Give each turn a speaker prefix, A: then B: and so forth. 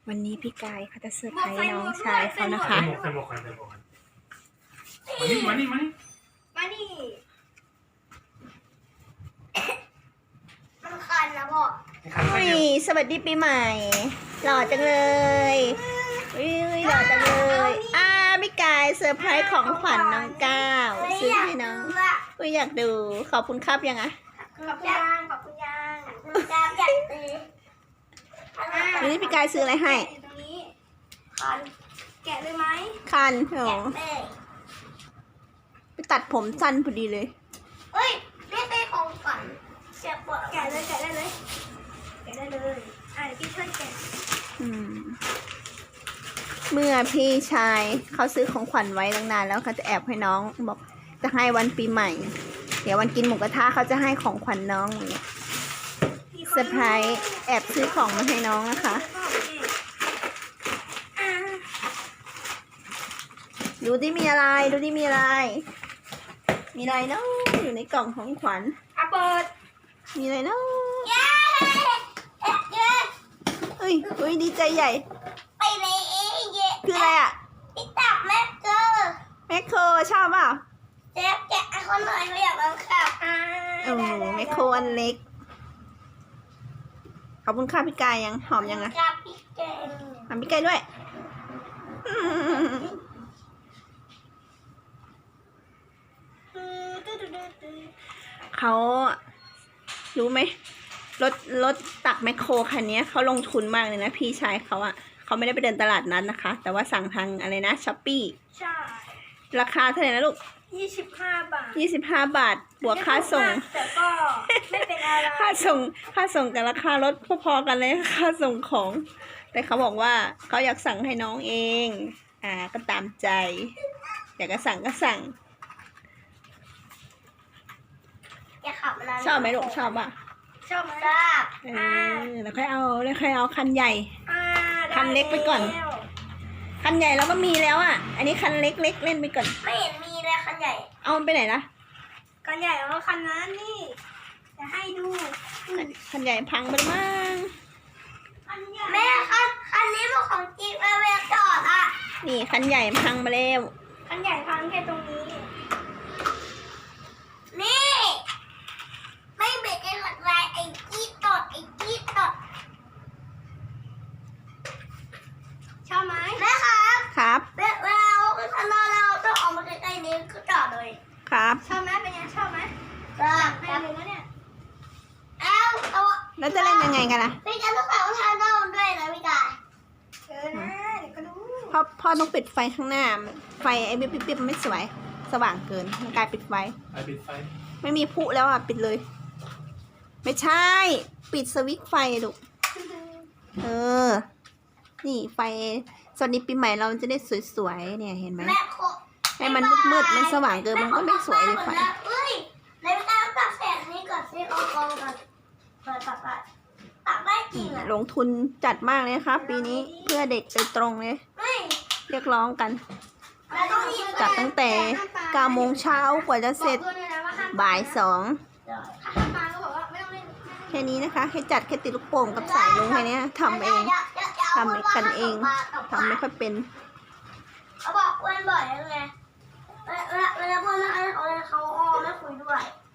A: วันนี้พี่กายเขาจะเซอร์ไพรส์น้องชายเขานะคะ
B: ใส่หมวกกันมานี่
C: มานี่ มันคันนะพ่อ
A: อุ้ยสวัสดีปีใหม่หล่อจังเลยอุ้ยหล่อจังเลยพี่กายเซอร์ไพรส์ของขวัญน้องก้าวซื้อให้น้องอุ้ยอยากดูขอบคุณครับยังอะ
C: ขอบคุณยังอยากตี
A: วันนี้พี่กายซื้ออะไรให้
C: ตรงนี้คันแกะเลยไหม
A: คันโอ้ไปตัดผมสั้นพอดีเลย
C: เฮ้ยนี่เป็นของขวัญแกะได้เลยเดี๋ยวพี่ช่วยแกะ
A: เมื่อพี่ชายเขาซื้อของขวัญไว้ตั้งนานแล้วเขาจะแอบให้น้องบอกจะให้วันปีใหม่เดี๋ยววันกินหมูกระทะเขาจะให้ของขวัญน้องเนี่ยเซอร์ไพรส์แอบซื้อของมาให้น้องนะคะดูที่มีอะไรเนาะอยู่ในกล่องของขวัญ
C: เปิด
A: มีอะไรเนาะเฮ้ยดีใจใหญ่
C: ไปเลย
A: คืออะไรอ่ะ
C: พี่ตับแ
A: มคโครชอบเปล่า
C: แกะคนหน่อยเขาอยากลองขับ
A: แมคโครอันเล็กขอบคุณค่ะพี่กายยังหอมยังอะหอมพี่กายด้วยเขารู้ไหมรถตักแมคโครคันนี้เขาลงทุนมากเลยนะพี่ชายเขาอะเขาไม่ได้ไปเดินตลาดนั้นนะคะแต่ว่าสั่งทางอะไรนะช้อปปี้
C: ใช่
A: ราคาเท่าไหร่นะลูก
C: 25 บาท
A: 25 บาทบวกค่าส่ง
C: แต่ก็ไม่เป็นอะไร
A: ค่าส่งกับราคารถพอๆกันเลยค่าส่งของแต่เขาบอกว่าเขาอยากสั่งให้น้องเองก็ตามใจอยากจะสั่งก็สั่งชอบไหมลูกชอบป่ะ
C: ชอบ
A: แล้วค่อยเอาคันใหญ่คันเล็กไปก่อนคันใหญ่เราก็มีแล้วอ่ะอันนี้คันเล็กเล่นไปก่อน
C: ไม่เห็นมีเลยคันใหญ่
A: เอามันไปไหนล่ะ
C: คันใหญ่เอาคันนั้นนี่จะให้ดู
A: คันใหญ่พังไปมั้ง
C: แม่คันนี้เป็นของจิ๊บเวลจอดอ่ะ
A: นี่คันใหญ่พังมาแล้ว
C: คันใหญ่พังแค่ตรงนี้นี่ไม่เบรกไอ้หลักลายไอ้จี๊ดตดชอบไหมแม่
A: ครับ
C: เวลาคันเราต้องออกมาใกล้ๆนี้ก็จอดเลย
A: ครับ
C: ชอบไหมเป็นยังชอบไหมให้เลยนะเนี่ย
A: แล้วจะเล่นยังไงกันล่ะ
C: พี่กันต้องใส่รองเท้าด้านด้วยนะพี่กายนะเดี๋ยวก็รู้
A: พ่อต้องปิดไฟข้างหน้าไฟไอ้ปิ๊บมันไม่สว่างเกินมันกลายปิดไฟไม่มีพุแล้วอ่ะปิดเลยไม่ใช่ปิดสวิตช์ไฟลูกนี่ไฟสวัสดีปีใหม่เราจะได้สวยๆเนี่ยเห็นไหมให้มันมืดมันสว่างเกินมันก็ไม่สวยเลยไฟ
C: ในเวลาตัดแสงนี้ก่อนซิเอากองก่อนตัดได้จริงอ่ะ
A: ลงทุนจัดมากเลยครับปีนี้เพื่อเด็กโดยตรงเลยเรียกร้องกันจัดตั้งแต่9 โมงเช้ากว่าจะเสร็จบ่าย 2แค่นี้นะคะให้จัดแค่ติดลูกโป่งกับสายลุงแค่นี้ทำกันเองทำไม่ค่อยเป็น
C: เขาบอกอ้วนบ่อยเลยเวลาพูดแล้วเขาไม่คุยด้วย